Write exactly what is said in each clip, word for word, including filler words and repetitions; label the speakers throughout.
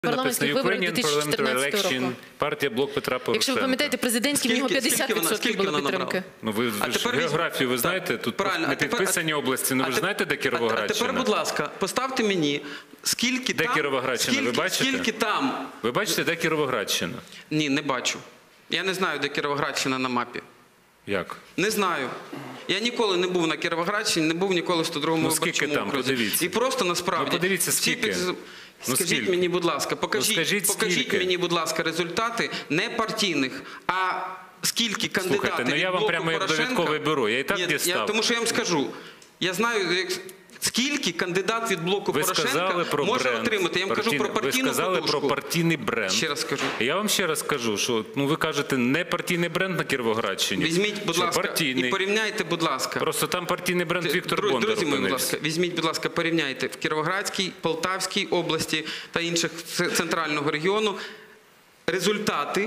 Speaker 1: Парламентських виборів дві тисячі чотирнадцятого року.
Speaker 2: Партія «Блок Петра Порошенка».
Speaker 1: Якщо ви пам'ятаєте, президентські в нього п'ятдесят відсотків було підтримки.
Speaker 2: Ну ви ж географію ви знаєте, тут не підписані області, ну ви ж знаєте, де Кіровоградщина?
Speaker 3: А тепер, будь ласка, поставте мені, скільки там...
Speaker 2: Де Кіровоградщина, ви бачите?
Speaker 3: Скільки там...
Speaker 2: Ви бачите, де Кіровоградщина?
Speaker 3: Ні, не бачу. Я не знаю, де Кіровоградщина на мапі.
Speaker 2: Як?
Speaker 3: Не знаю. Я ніколи не був на Кіровоградщині, не був ніколи в сто другому виборчому окрузі.
Speaker 2: Ну скільки там, подивіться.
Speaker 3: І просто насправді...
Speaker 2: Ну подивіться, скільки.
Speaker 3: Ну, скажіть мені, будь ласка, покажіть,
Speaker 2: ну, скажіть,
Speaker 3: покажіть мені, будь ласка, результати не партійних, а скільки кандидатів
Speaker 2: Слухайте, ну я вам прямо як довідкове бюро, я і так
Speaker 3: Ні,
Speaker 2: дістав.
Speaker 3: Я, тому що я вам скажу, я знаю, як... Скільки кандидат від блоку
Speaker 2: ви
Speaker 3: Порошенка може
Speaker 2: бренд,
Speaker 3: отримати? Я вам кажу про партійну
Speaker 2: Ви сказали
Speaker 3: подушку.
Speaker 2: про партійний бренд.
Speaker 3: Ще раз скажу.
Speaker 2: Я вам ще раз скажу, що ну, ви кажете, не партійний бренд на Кіровоградщині.
Speaker 3: Візьміть, будь ласка,
Speaker 2: партійний.
Speaker 3: і порівняйте, будь ласка.
Speaker 2: Просто там партійний бренд Віктор
Speaker 3: Друзі,
Speaker 2: Бондар.
Speaker 3: Друзі мої, будь ласка, візьміть, будь ласка, порівняйте в Кіровоградській, Полтавській області та інших центрального регіону результати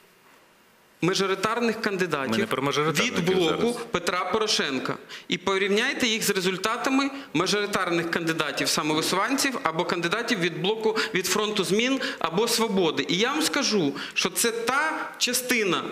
Speaker 3: мажоритарних кандидатів від блоку Петра Порошенка. І порівняйте їх з результатами мажоритарних кандидатів самовисуванців або кандидатів від блоку від фронту змін або свободи. І я вам скажу, що це та частина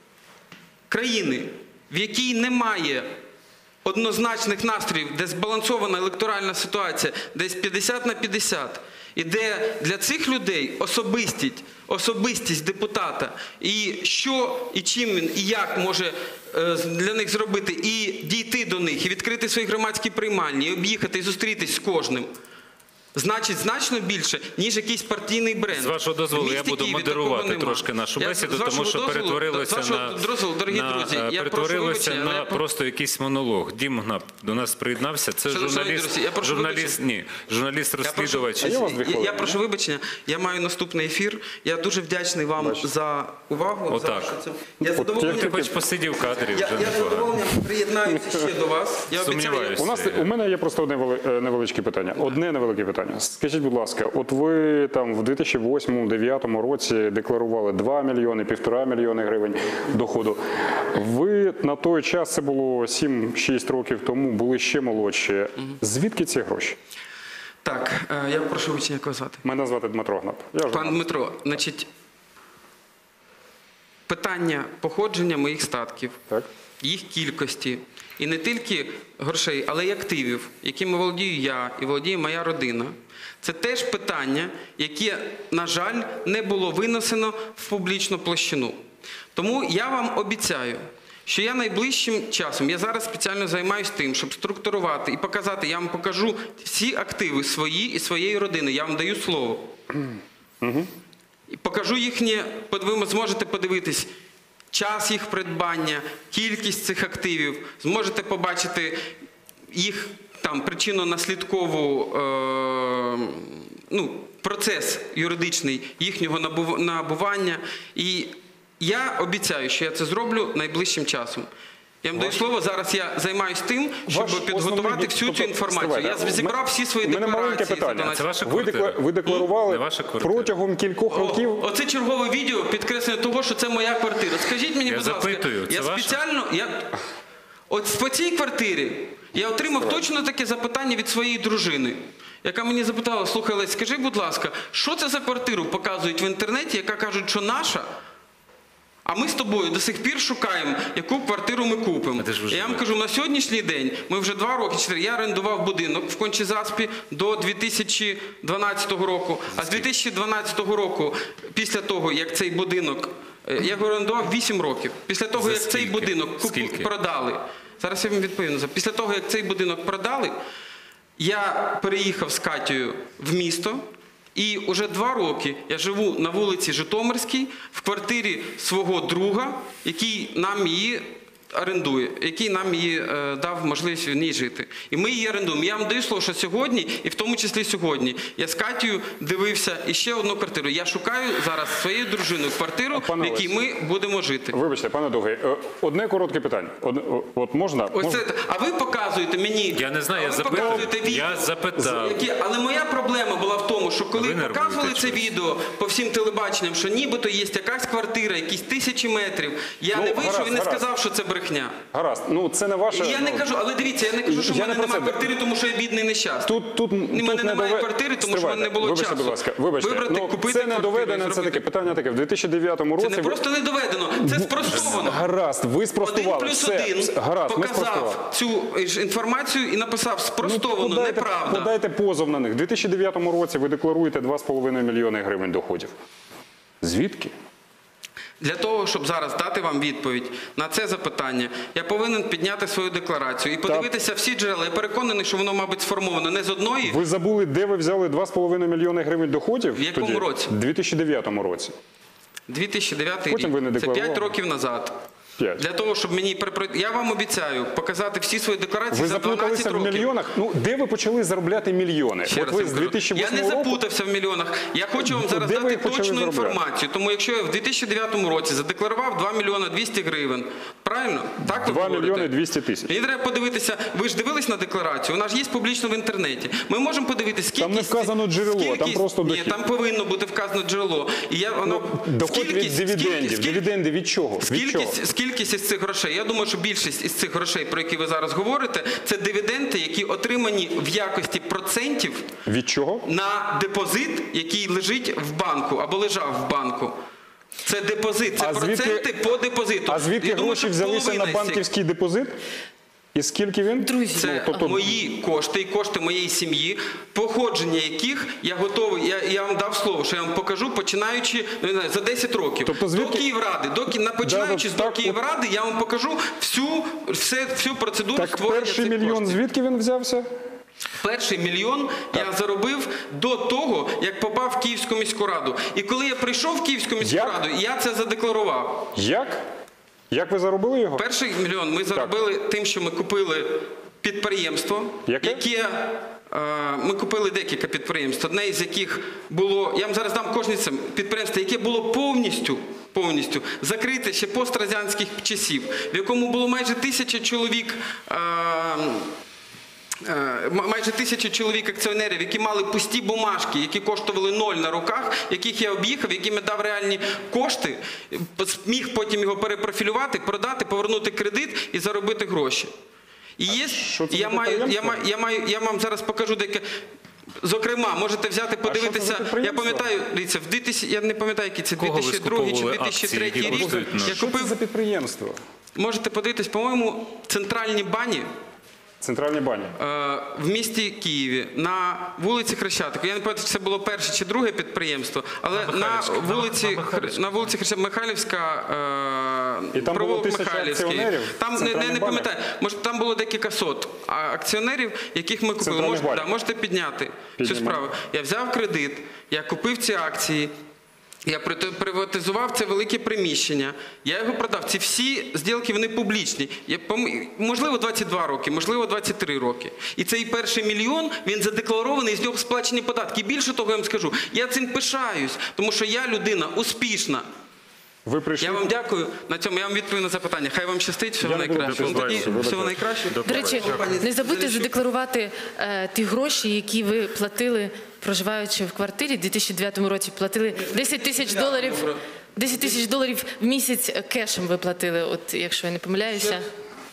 Speaker 3: країни, в якій немає однозначних настроїв, де збалансована електоральна ситуація, десь п'ятдесят на п'ятдесят. І де для цих людей особистість, особистість депутата, і що, і чим він, і як може для них зробити, і дійти до них, і відкрити свої громадські приймальні, і об'їхати, і зустрітись з кожним, значить значно більше, ніж якийсь партійний бренд.
Speaker 2: З вашого дозволу я буду модерувати трошки нашу бесіду, тому що перетворилося на,
Speaker 3: дозволу, дорогі
Speaker 2: на,
Speaker 3: друзі, я
Speaker 2: перетворилося
Speaker 3: прошу,
Speaker 2: на
Speaker 3: я...
Speaker 2: просто якийсь монолог. Дім Гнап до нас приєднався. Це журналіст,
Speaker 3: друзі,
Speaker 2: журналіст, ні, журналіст-розслідувач.
Speaker 3: Я, прошу, я, я прошу вибачення, я маю наступний ефір. Я дуже вдячний вам Бачу. за увагу.
Speaker 2: Отак.
Speaker 3: За я задоволений...
Speaker 2: Ти хоч посидів в кадрі,
Speaker 3: я,
Speaker 2: вже
Speaker 3: я задоволенням приєднаюся ще до вас. Я
Speaker 2: Сумніваюся.
Speaker 4: У нас у мене є просто одне невеличке питання. Одне невелике питання. Скажіть, будь ласка, от ви там в дві тисячі восьмому - дві тисячі дев'ятому році декларували два мільйони, півтора мільйони гривень доходу. Ви на той час, це було сім-шість років тому, були ще молодші. Звідки ці гроші?
Speaker 3: Так, я прошу вибачення казати.
Speaker 4: Мене звати Дмитро Гнап. Я
Speaker 3: Пан Дмитро, значить, питання походження моїх статків, так. їх кількості, і не тільки грошей, але й активів, якими володію я і володіє моя родина. Це теж питання, яке, на жаль, не було винесено в публічну площину. Тому я вам обіцяю, що я найближчим часом, я зараз спеціально займаюся тим, щоб структурувати і показати, я вам покажу всі активи свої і своєї родини, я вам даю слово. Угу. І покажу їхнє, ви зможете подивитись, час їх придбання, кількість цих активів, зможете побачити їх там причинно-наслідкову, е, ну, процес юридичний їхнього набування. І я обіцяю, що я це зроблю найближчим часом. Я вам даю слово, зараз я займаюся тим, щоб Ваш підготувати всю цю інформацію. Я зібрав всі свої декларації.
Speaker 2: Це ваша
Speaker 4: квартира. Ви декларували протягом кількох років?
Speaker 3: Оце чергове відео підкреслення того, що це моя квартира. Скажіть мені, будь ласка, я спеціально... От по цій квартирі я отримав точно таке запитання від своєї дружини, яка мені запитала: слухай, Лесь, скажи, будь ласка, що це за квартиру показують в інтернеті, яка кажуть, що наша, а ми з тобою до сих пір шукаємо, яку квартиру ми купимо. Я вам кажу, на сьогоднішній день, ми вже два роки, чотири, я орендував будинок в Кончі-Заспі до дві тисячі дванадцятого року, а з дві тисячі дванадцятого року, після того, як цей будинок, я його орендував вісім років, після того, як цей будинок продали, зараз я вам відповім, після того, як цей будинок продали, я переїхав з Катєю в місто, і вже два роки я живу на вулиці Житомирській, в квартирі свого друга, який нам її орендує, який нам її е, дав можливість в ній жити. І ми її орендуємо. Я вам даю слово, що сьогодні, і в тому числі сьогодні, я з Катєю дивився іще одну квартиру. Я шукаю зараз своєю дружиною квартиру, в якій ми будемо жити.
Speaker 4: Вибачте, пане Довгий, одне коротке питання. Од, от можна?
Speaker 3: Ось
Speaker 4: можна?
Speaker 3: Це, а ви показуєте мені...
Speaker 2: Я не знаю, я запитав. Я запитав.
Speaker 3: Які, але моя проблема була в тому, що коли показували це відео по всім телебаченням, що нібито є якась квартира, якісь тисячі метрів, я ну, не вийшов і не гаразд. сказав, що це брехня. брехня.
Speaker 4: Гаразд. Ну, це не ваше...
Speaker 3: Я не
Speaker 4: ну,
Speaker 3: кажу, але дивіться, я не кажу, що в
Speaker 4: я
Speaker 3: мене
Speaker 4: не про
Speaker 3: немає
Speaker 4: це.
Speaker 3: квартири, тому що я бідний і нещасний.
Speaker 4: Тут, тут,
Speaker 3: У
Speaker 4: тут
Speaker 3: мене
Speaker 4: не
Speaker 3: немає
Speaker 4: дове-
Speaker 3: квартири, тому що в
Speaker 4: Стривайте,
Speaker 3: мене не було
Speaker 4: вибачте,
Speaker 3: часу.
Speaker 4: будь ласка, вибачте.
Speaker 3: Вибрати,
Speaker 4: ну,
Speaker 3: купити
Speaker 4: це не
Speaker 3: квартиру і
Speaker 4: доведено, це
Speaker 3: зробити.
Speaker 4: таке питання таке. В дві тисячі дев'ятому році...
Speaker 3: Це не
Speaker 4: ви-
Speaker 3: просто не доведено, це спростовано.
Speaker 4: Гаразд, ви спростували.
Speaker 3: Один плюс
Speaker 4: Все,
Speaker 3: один
Speaker 4: все, гаразд, ми спростували.
Speaker 3: показав цю ж інформацію і написав
Speaker 4: Ну,
Speaker 3: спростовано,
Speaker 4: подайте,
Speaker 3: неправда.
Speaker 4: подайте позов на них. В дві тисячі дев'ятому році ви декларуєте два з половиною мільйони гривень доходів. Звідки?
Speaker 3: Для того, щоб зараз дати вам відповідь на це запитання, я повинен підняти свою декларацію і подивитися всі джерела. Я переконаний, що воно, мабуть, сформовано не з одної.
Speaker 4: Ви забули, де ви взяли два з половиною мільйони гривень доходів?
Speaker 3: В якому
Speaker 4: тоді?
Speaker 3: році?
Speaker 4: В дві тисячі дев'ятому році.
Speaker 3: дві тисячі дев'ятий
Speaker 4: Потім ви не
Speaker 3: рік. Це
Speaker 4: декларували.
Speaker 3: п'ять років назад.
Speaker 4: П'ять.
Speaker 3: Для того, щоб мені перепро- я вам обіцяю показати всі свої декларації
Speaker 4: Ви
Speaker 3: за дванадцять
Speaker 4: заплуталися в
Speaker 3: років.
Speaker 4: мільйонах? Ну, де ви почали заробляти мільйони?
Speaker 3: Ще
Speaker 4: От
Speaker 3: раз
Speaker 4: ви
Speaker 3: вам
Speaker 4: з
Speaker 3: кажу,
Speaker 4: дві тисячі
Speaker 3: я
Speaker 4: восьмого
Speaker 3: не
Speaker 4: року...
Speaker 3: запутався в мільйонах. Я хочу вам
Speaker 4: Ну,
Speaker 3: зараз
Speaker 4: де ви
Speaker 3: дати
Speaker 4: їх почали
Speaker 3: точну
Speaker 4: заробляти?
Speaker 3: інформацію. Тому якщо я в дві тисячі дев'ятому році задекларував два мільйони двісті гривень, правильно? Так ви
Speaker 4: два
Speaker 3: говорите?
Speaker 4: мільйони двісті тисяч.
Speaker 3: Мені треба подивитися, ви ж дивились на декларацію, вона ж є публічно в інтернеті. Ми можемо подивитися, скільки...
Speaker 4: Там не вказано джерело, там просто
Speaker 3: Ні,
Speaker 4: дохід.
Speaker 3: там повинно бути вказано джерело. І я, воно...
Speaker 4: Доход від
Speaker 3: скількість-
Speaker 4: дивідендів.
Speaker 3: скільки-
Speaker 4: Дивіденди від чого? Від чого?
Speaker 3: Скількість, скількість із цих грошей? Я думаю, що більшість із цих грошей, про які ви зараз говорите, це дивіденди, які отримані в якості процентів
Speaker 4: Від чого?
Speaker 3: на депозит, який лежить в банку або лежав в банку. Це депозит, це
Speaker 4: А звідки-
Speaker 3: проценти по депозиту.
Speaker 4: А звідки
Speaker 3: Я думаю,
Speaker 4: гроші
Speaker 3: що
Speaker 4: взялися
Speaker 3: половина
Speaker 4: на
Speaker 3: із цих-
Speaker 4: банківський депозит? І скільки він?
Speaker 1: Друзі,
Speaker 3: Це
Speaker 4: Ну, тобто-
Speaker 3: мої кошти і кошти моєї сім'ї, походження яких я готовий, я, я вам дав слово, що я вам покажу, починаючи ну, не знаю, за десять років.
Speaker 4: Тобто звідки-
Speaker 3: До Київради, до, Ки- на, починаючи
Speaker 4: Да,
Speaker 3: з
Speaker 4: так,
Speaker 3: до Київради, я вам покажу всю, все, всю процедуру
Speaker 4: Так
Speaker 3: створення
Speaker 4: перший
Speaker 3: цих
Speaker 4: мільйон
Speaker 3: коштів.
Speaker 4: звідки він взявся?
Speaker 3: Перший мільйон я заробив до того, як попав в Київську міську раду. І коли я прийшов в Київську міську
Speaker 4: Як?
Speaker 3: раду, я це задекларував.
Speaker 4: Як? Як ви заробили його?
Speaker 3: Перший мільйон ми заробили тим, що ми купили підприємство,
Speaker 4: Яке?
Speaker 3: яке е, ми купили декілька підприємств, одне із яких було, я вам зараз дам кожне це підприємство, яке було повністю, повністю закрите ще пострадянських часів, в якому було майже тисяча чоловік. Е, Е, майже тисяча чоловік акціонерів, які мали пусті бумажки, які коштували ноль на руках, яких я об'їхав, яким я дав реальні кошти, міг потім його перепрофілювати, продати, повернути кредит і заробити гроші. І є,
Speaker 4: що це
Speaker 3: і я
Speaker 4: за
Speaker 3: маю, я
Speaker 4: підприємство?
Speaker 3: маю, я маю, я вам зараз покажу деяке. Зокрема, можете взяти, подивитися.
Speaker 4: за
Speaker 3: Я
Speaker 4: підприємство?
Speaker 3: пам'ятаю, дивіться, в дві тисячі, я не пам'ятаю, який це
Speaker 2: Кого ви
Speaker 3: дві тисячі другий чи
Speaker 2: скуповували
Speaker 3: дві тисячі третій
Speaker 2: акції, які
Speaker 3: рік.
Speaker 2: коштують ноль?
Speaker 3: Я
Speaker 4: Що це
Speaker 3: купив,
Speaker 4: за підприємство?
Speaker 3: можете подивитись, по-моєму, центральні бані.
Speaker 4: Центральні бані.
Speaker 3: Е, в місті Києві на вулиці Хрещатику. Я не пам'ятаю, чи це було перше чи друге підприємство, але на,
Speaker 2: Михайлівська. На-
Speaker 3: вулиці
Speaker 2: на Михайлівська.
Speaker 3: на вулиці Хрещатика Михайлівська, е,
Speaker 4: І там було
Speaker 3: провулок
Speaker 4: тисяча
Speaker 3: Михайлівський.
Speaker 4: акціонерів?
Speaker 3: Там не, не,
Speaker 4: Центральні
Speaker 3: не
Speaker 4: бані?
Speaker 3: пам'ятаю. Може, там було декілька сот а, акціонерів, яких ми купили.
Speaker 4: Центральні
Speaker 3: Можете,
Speaker 4: бані.
Speaker 3: да, можете підняти цю
Speaker 4: Піднімаю.
Speaker 3: справу. Я взяв кредит, я купив ці акції. Я приватизував це велике приміщення, я його продав. Ці всі зділки, вони публічні. Я, пом- можливо, двадцять два роки, можливо, двадцять три роки. І цей перший мільйон, він задекларований, з нього сплачені податки. І більше того, я вам скажу, я цим пишаюсь, тому що я людина успішна.
Speaker 4: Ви прийшли...
Speaker 3: Я вам дякую. На цьому я вам відповім на запитання. Хай вам щастить, всього
Speaker 4: Я не буду
Speaker 3: найкращого.
Speaker 4: до
Speaker 3: Тоді
Speaker 4: побачення.
Speaker 3: всього найкращого.
Speaker 1: До речі, не забудьте задекларувати е, ті гроші, які ви платили, проживаючи в квартирі. В дві тисячі дев'ятому році платили десять тисяч доларів. десять тисяч доларів в місяць кешем ви платили, от якщо я не помиляюся.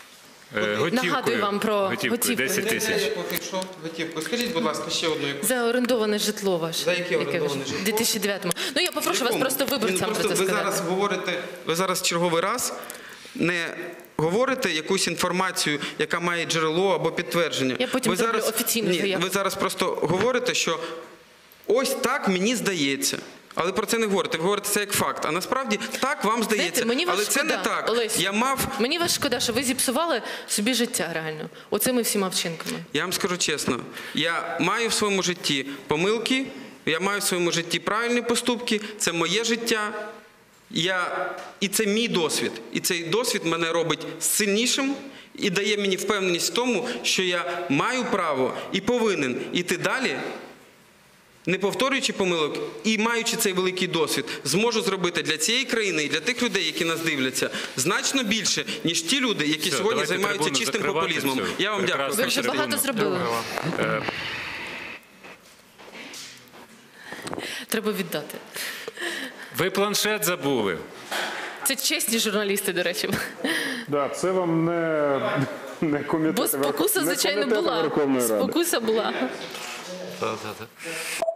Speaker 2: Е, готівкою.
Speaker 1: Нагадую вам про
Speaker 2: Готівкою,
Speaker 1: готівку.
Speaker 2: десять тисяч.
Speaker 3: Готівку. Скажіть, будь ласка, ще одну яку.
Speaker 1: За орендоване житло ваше.
Speaker 3: За яке орендоване
Speaker 1: ви ж-
Speaker 3: житло?
Speaker 1: В дві тисячі дев'ятому. Ну я попрошу вас
Speaker 3: Якому?
Speaker 1: просто виборцям
Speaker 3: Ні, ну,
Speaker 1: про
Speaker 3: просто
Speaker 1: це
Speaker 3: ви
Speaker 1: сказати.
Speaker 3: зараз говорите, ви зараз черговий раз не говорите якусь інформацію, яка має джерело або підтвердження.
Speaker 1: Я потім
Speaker 3: ви
Speaker 1: зроблю
Speaker 3: зараз,
Speaker 1: офіційну
Speaker 3: ні,
Speaker 1: заяву.
Speaker 3: ви зараз просто говорите, що ось так мені здається. Але про це не говорите. Ви говорите це як факт. А насправді так вам здається.
Speaker 1: Знаєте, мені вас
Speaker 3: Але це
Speaker 1: шкода,
Speaker 3: не так.
Speaker 1: Олесь.
Speaker 3: Я мав
Speaker 1: Мені вас шкода, що ви зіпсували собі життя реально. Оцими всіма вчинками.
Speaker 3: Я вам скажу чесно, я маю в своєму житті помилки, я маю в своєму житті правильні поступки, це моє життя, я... і це мій досвід. І цей досвід мене робить сильнішим і дає мені впевненість в тому, що я маю право і повинен іти далі, не повторюючи помилок і маючи цей великий досвід, зможу зробити для цієї країни і для тих людей, які нас дивляться, значно більше, ніж ті люди, які
Speaker 2: Все,
Speaker 3: сьогодні
Speaker 2: давайте
Speaker 3: займаються
Speaker 2: трибуну
Speaker 3: чистим
Speaker 2: закривати,
Speaker 3: популізмом.
Speaker 2: все.
Speaker 3: Я вам
Speaker 2: Прекрасно.
Speaker 3: дякую.
Speaker 1: Ви вже
Speaker 2: Трибуну.
Speaker 1: багато зробили.
Speaker 2: Е,
Speaker 1: Треба віддати.
Speaker 2: Ви планшет забули.
Speaker 1: Це чесні журналісти, до речі.
Speaker 4: Да, це вам не, не комітет.
Speaker 1: Бо спокуса,
Speaker 4: не
Speaker 1: звичайно,
Speaker 4: комітет
Speaker 1: була.
Speaker 4: Верховної Ради.
Speaker 1: Спокуса була.
Speaker 2: Та-та-та.